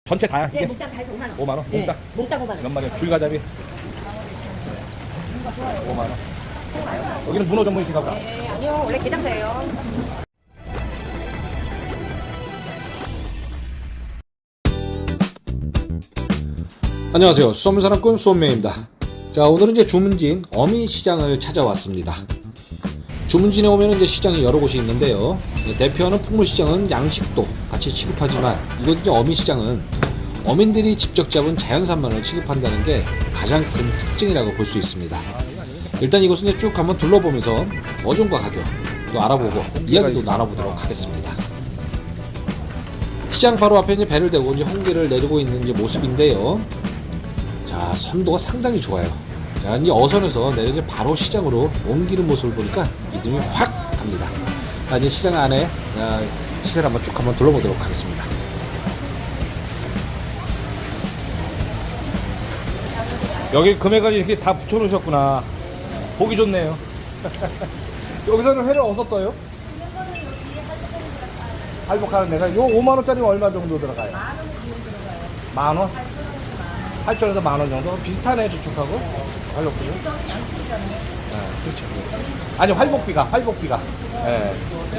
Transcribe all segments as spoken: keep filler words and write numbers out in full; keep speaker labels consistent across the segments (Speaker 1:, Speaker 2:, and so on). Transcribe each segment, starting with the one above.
Speaker 1: 전체 다야?
Speaker 2: 네,
Speaker 1: 이게?
Speaker 2: 몽땅 다 해서 오만 원.
Speaker 1: 오만 원?
Speaker 2: 네,
Speaker 1: 몽땅?
Speaker 2: 몽땅 오만 원.
Speaker 1: 몇 마리? 줄가자미? 오만 원. 여기는 문어 전문이신가 보다.
Speaker 2: 네, 아니요. 원래 게장사예요.
Speaker 3: 안녕하세요. 수산물사랑꾼 수원매입니다. 자, 오늘은 이제 주문진 어민시장을 찾아왔습니다. 주문진에 오면 이제 시장이 여러 곳이 있는데요. 대표하는 풍물시장은 양식도 같이 취급하지만 이곳 이제 어민시장은 어민들이 직접 잡은 자연산만을 취급한다는 게 가장 큰 특징이라고 볼 수 있습니다. 일단 이곳은 이제 쭉 한번 둘러보면서 어종과 가격 또 알아보고 이야기도 나눠보도록 하겠습니다. 시장 바로 앞에 이제 배를 대고 이제 홍게를 내리고 있는 이제 모습인데요. 자, 선도가 상당히 좋아요. 자, 이제 어선에서 내려 바로 시장으로 옮기는 모습을 보니까 믿음이 확 갑니다. 자, 이제 시장 안에 아, 시세를 한번 쭉 한번 둘러보도록 하겠습니다.
Speaker 1: 여기 금액을 이렇게 다 붙여놓으셨구나. 보기 좋네요. 여기서는 회를 어디서 떠요? 할복하는 데가 요 오만 원짜리는 얼마 정도 들어가요? 만 원? 팔천에서 만 원 정도? 비슷하네 저쪽하고. 활복비는? 네, 그렇죠. 아니 활복비가 활복비가. 예.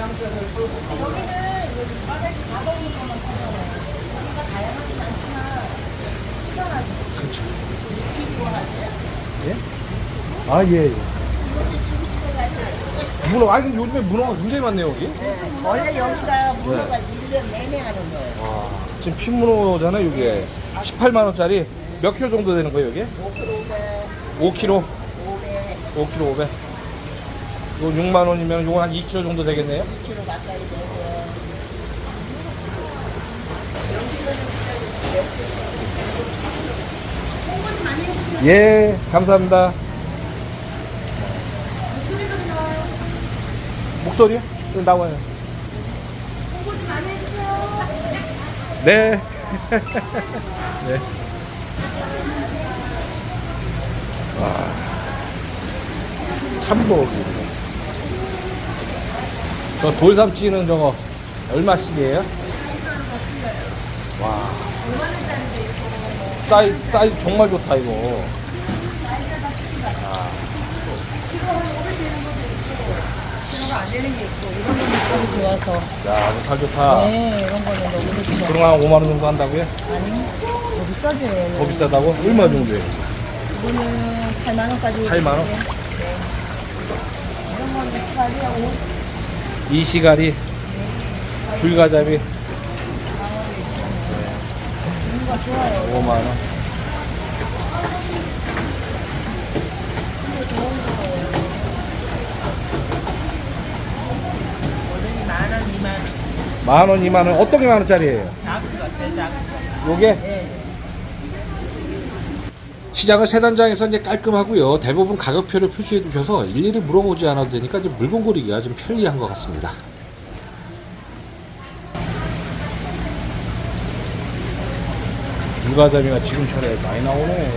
Speaker 1: 그렇죠. 예? 아 예. 예. 문어, 아 근데 요즘에 문어가 굉장히 많네요 여기.
Speaker 4: 원래 여기가 문어가 일 년 내내 하는 거예요.
Speaker 1: 와, 지금 핀문어잖아요 이게. 십팔만 원짜리 몇 킬로 정도 되는 거예요 이게? 오 킬로. 오 킬로 오백. 요 육만 원이면 요건 한 이 킬로 정도 되겠네요.
Speaker 4: 이 킬로 가까이 되고요.
Speaker 1: 예, 감사합니다. 목소리요? 좀 나와요. 네. 네. 와. 참복. 저 돌삼치는 저거 얼마씩이에요? 와. 사이즈, 사이즈 정말 좋다 이거.
Speaker 4: 안 되는 게 있고 이런 거는 너무 좋아서.
Speaker 1: 야, 이거 살 좋다.
Speaker 4: 네, 이런 거는 너무 좋죠.
Speaker 1: 그럼 한 오만 원 정도 한다고요?
Speaker 4: 아니, 더 비싸죠 얘는.
Speaker 1: 더 비싸다고? 얼마 정도예요?
Speaker 4: 이거는 팔만 원까지.
Speaker 1: 팔만 원?
Speaker 4: 네. 이런 거는 스파리하고
Speaker 1: 이시가리, 줄가자미
Speaker 4: 이런 거 좋아요.
Speaker 1: 오만 원.
Speaker 4: 만 원, 이만 원.
Speaker 1: 만 원, 이만 원. 어떤 게 만 원짜리예요?
Speaker 4: 작은 거 같아요, 작은 거.
Speaker 1: 요게?
Speaker 4: 네.
Speaker 3: 시장은 세 단장에서 이제 깔끔하고요. 대부분 가격표를 표시해 두셔서 일일이 물어보지 않아도 되니까 이제 물건 고르기가 좀 편리한 것 같습니다.
Speaker 1: 줄가자미가 지금 철에 많이 나오네.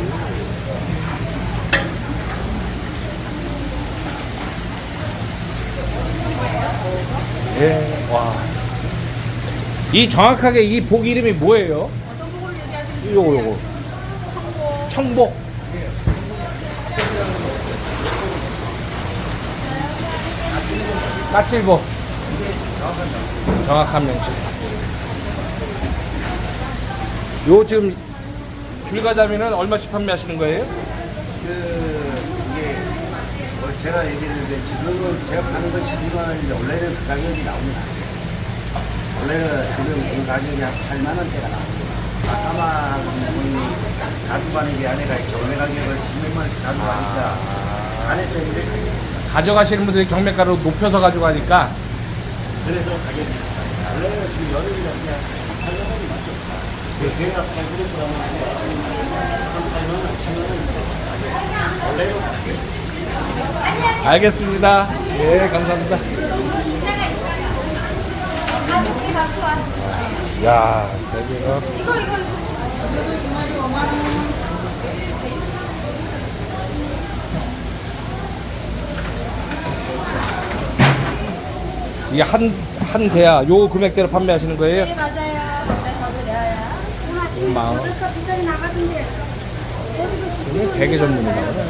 Speaker 1: 예, 와. 이 정확하게 이 복 이름이 뭐예요? 어떤 복을 얘기하시는 요거, 요거. 청복. 청복. 까칠복. 정확한 명칭. 요 지금 줄가자미는 얼마씩 판매하시는 거예요?
Speaker 5: 그 이게 뭐 제가 얘기했는데 지금은 제가 파는 건 십이만 원인데 원래는 그 가격이 나옵니다. 원래는 지금 그 가격이 한 팔만 원대가 나옵니다. 아까만 분이 가져가는 게 아니라 경매 가격을 십몇만 원씩 가져가니까 안에 때문에
Speaker 1: 가져가시는 분들이 경매가로 높여서 가져가니까
Speaker 5: 그래서 가격이 비싸요. 원래는 지금 여름이라 그냥 팔만 원이 맞죠. 걔가 팔 그램 한 팔만 원, 칠만 원 원래는
Speaker 1: 알겠습니다. 예, 감사합니다. 야, 여기가 이게 한, 한 대야 요 금액대로 판매하시는 거예요?
Speaker 4: 네, 맞아요. 그래서 드려요.
Speaker 1: 오만 원.
Speaker 4: 비싸게 나가던데.
Speaker 1: 이게 대게 전문인가 보네.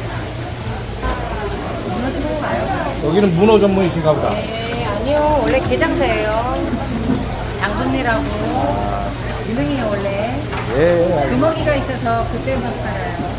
Speaker 1: 여기는 문어 전문이신가 보다.
Speaker 2: 네, 아니요. 원래 게장사예요. 장분리라고. 유명해요, 원래.
Speaker 1: 예, 알겠습니다.
Speaker 2: 금어기가 있어서 그때만 팔아요.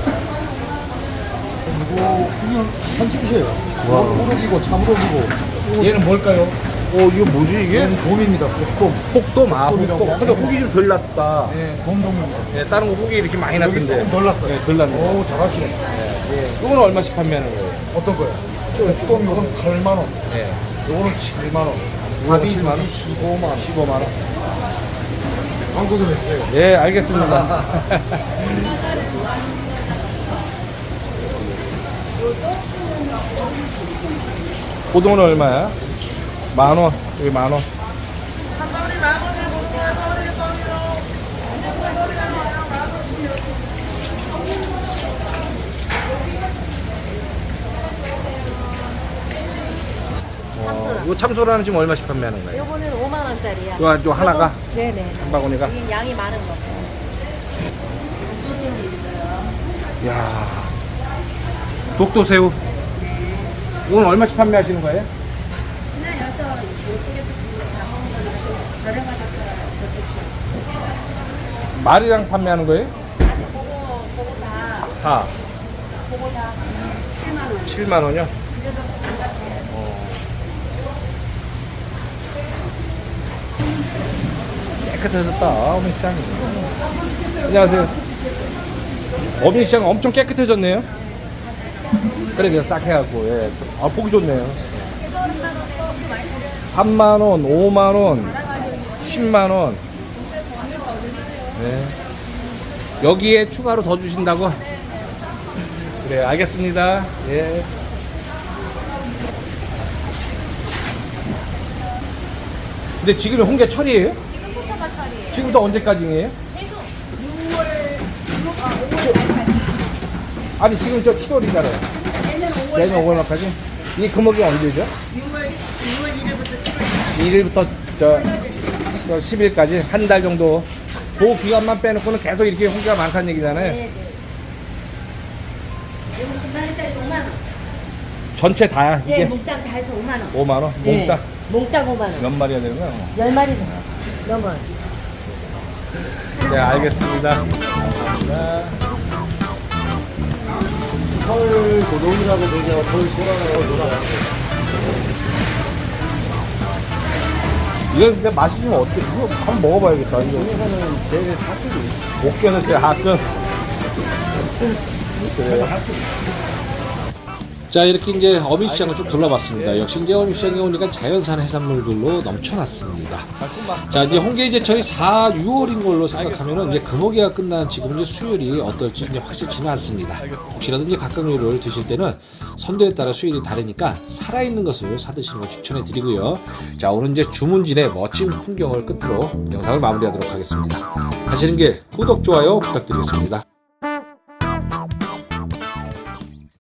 Speaker 6: 이거 그냥 한식이에요.
Speaker 1: 와.
Speaker 6: 우럭이고 참우럭이고.
Speaker 1: 얘는 뭘까요? 어, 이거 뭐지 이게?
Speaker 6: 얘는 돔입니다. 돔.
Speaker 1: 혹돔, 아,
Speaker 6: 혹돔이라고.
Speaker 1: 혹돔. 근데 혹이 좀 덜 났다.
Speaker 6: 예, 돔돔입니다.
Speaker 1: 예, 다른 거 혹이 이렇게 많이
Speaker 6: 여기
Speaker 1: 났던데.
Speaker 6: 조금 덜 났어요.
Speaker 1: 예, 덜 났네.
Speaker 6: 오, 잘하시네.
Speaker 1: 예. 이거는 얼마씩 판매하는 거예요?
Speaker 6: 어떤 거요? 돔 요건 팔만 원.
Speaker 1: 예.
Speaker 6: 요거는 칠만 원.
Speaker 1: 요거는
Speaker 6: 밥이
Speaker 1: 칠만 원?
Speaker 6: 십오만 원.
Speaker 1: 십오만 원.
Speaker 6: 광고 좀 했어요.
Speaker 1: 예, 알겠습니다. 고등어는 얼마야? 만 원. 여기 만 원. 어, 이거 참소라는 지금 얼마씩 판매하는 거예요?
Speaker 2: 요거는 오만 원짜리야.
Speaker 1: 이거 좀 하나가?
Speaker 2: 네네.
Speaker 1: 한 바구니가?
Speaker 2: 이게 양이 많은 거.
Speaker 1: 야 독도새우. 오늘 얼마씩 판매하시는 거예요?
Speaker 4: 그냥 여서 이쪽에서 다 먹는 거니까 좀 저렴하게 저쪽.
Speaker 1: 말이랑 판매하는 거예요?
Speaker 4: 그거 그거 다
Speaker 1: 다.
Speaker 4: 그거 다 칠만 원.
Speaker 1: 칠만 원이요?
Speaker 4: 그래도 반갑게.
Speaker 1: 깨끗해졌다, 어민시장이. 안녕하세요. 어민시장 엄청 깨끗해졌네요. 그래, 그냥 싹 해갖고, 예. 아, 보기 좋네요. 삼만 원, 오만 원, 십만 원. 네. 여기에 추가로 더 주신다고? 그래, 알겠습니다. 예. 근데 지금이 홍게철이에요?
Speaker 4: 지금부터가 철이에요.
Speaker 1: 지금부터 언제까지예요?
Speaker 4: 계속 유월, 아,
Speaker 1: 아니 지금 저 칠월이잖아요.
Speaker 4: 내년 오월.
Speaker 1: 내년 오월까지? 이 금액이 언제죠?
Speaker 4: 유월 유월 일일부터 칠월.
Speaker 1: 일 일부터 저 십 일까지 한 달 정도. 그 기간만 빼놓고는 계속 이렇게 홍게가 많다는 얘기잖아요.
Speaker 4: 네네. 여기 십만 원짜리 오만 원.
Speaker 1: 전체 다야
Speaker 4: 네,
Speaker 1: 이게?
Speaker 4: 몽땅 다 해서 오만 원.
Speaker 1: 오만 원?
Speaker 4: 네.
Speaker 1: 몽땅
Speaker 4: 몽땅 오만 원.
Speaker 1: 몇 마리가 되는 거야?
Speaker 4: 열 마리 넘어.
Speaker 1: 네, 알겠습니다. 감사합니다.
Speaker 5: 털 도둑이라고 되죠. 털 소라라고 돌아가요.
Speaker 1: 이거 진짜 맛이 좀 어때? 이거 한번 먹어봐야겠다. 이거
Speaker 5: 중에서는 제일 핫뜨기.
Speaker 1: 옥견에서의 하끔. 그래.
Speaker 3: 자, 이렇게 이제 어민시장을 쭉 둘러봤습니다. 역시 이제 어민시장에 오니까 자연산 해산물들로 넘쳐났습니다. 자, 이제 홍게 제철이 사, 유월인 걸로 생각하면은 이제 금어기가 끝난 지금 이제 수율이 어떨지 이제 확실치는 않습니다. 혹시라도 이제 각각 요리를 드실 때는 선도에 따라 수율이 다르니까 살아있는 것을 사드시는 걸 추천해 드리고요. 자, 오늘 이제 주문진의 멋진 풍경을 끝으로 영상을 마무리하도록 하겠습니다. 가시는 길 구독, 좋아요 부탁드리겠습니다.